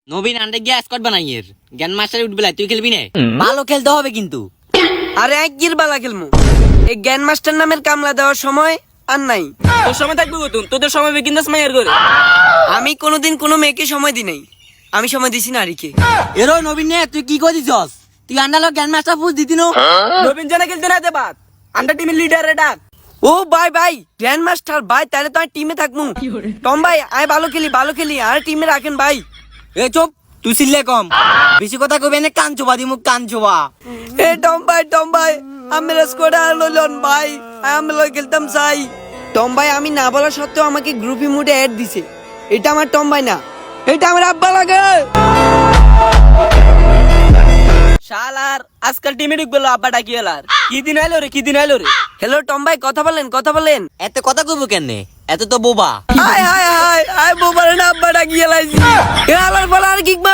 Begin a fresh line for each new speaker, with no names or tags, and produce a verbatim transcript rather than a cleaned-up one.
নবীন আন্ডে গিয়ে স্কট বানাইয়ের জ্ঞান মাস্টার উঠবে তুই খেলবি না? ভালো খেলতে হবে কিন্তু।
আরে এক গির বালা খেলমু, এই জ্ঞান মাস্টার নামের কামলা দেওয়ার সময় আর নাই।
তোর সময় থাকবে গতুন, তোদের সময় বিকিন্দাস মাইয়ার করে।
আমি কোনোদিন কোনো মেয়েকে সময় দি নাই, আমি সময় দিছি নারীকে।
এরো নবীন নে তুই কি করে দিছস? তুই আন্ডালো জ্ঞান মাস্টার পুজ দিতি নো?
নবীন জানা খেলতে না দে বাদ, আন্ডার টিমের লিডারে ডাক।
ও ভাই ভাই গ্র্যান্ড মাস্টার ভাই, তাহলে তো আমি টিমে থাকবো। টম ভাই আয় ভালো খেলি ভালো খেলি, আর টিমে রাখেন ভাই।
এ চুপ, তুই সিল্লে কম, বেশি কথা কইবে না কান চোবা দিমু কান চোবা।
এ টম ভাই টম ভাই আমি স্কোয়াডে আর লইলন ভাই, আমি লই খেলতাম চাই। টম ভাই আমি না বলা সত্ত্বেও আমাকে গ্রুপি মুডে অ্যাড দিছে। এটা আমার টম ভাই না, এটা আমার আব্বা লাগে।
শালার আজকাল টিমে ঢুকবে আব্বা ডাকি এলার। কি দিন আইলো রে, কি দিন আইলো রে।
হ্যালো টম ভাই কথা বলেন কথা বলেন।
এত কথা কইবো কেনে? এত তো বোবা।
হাই হাই হাই হাই বোবারে না আব্বা ডাকি এলাইছি। এ আলার বলা আর কিক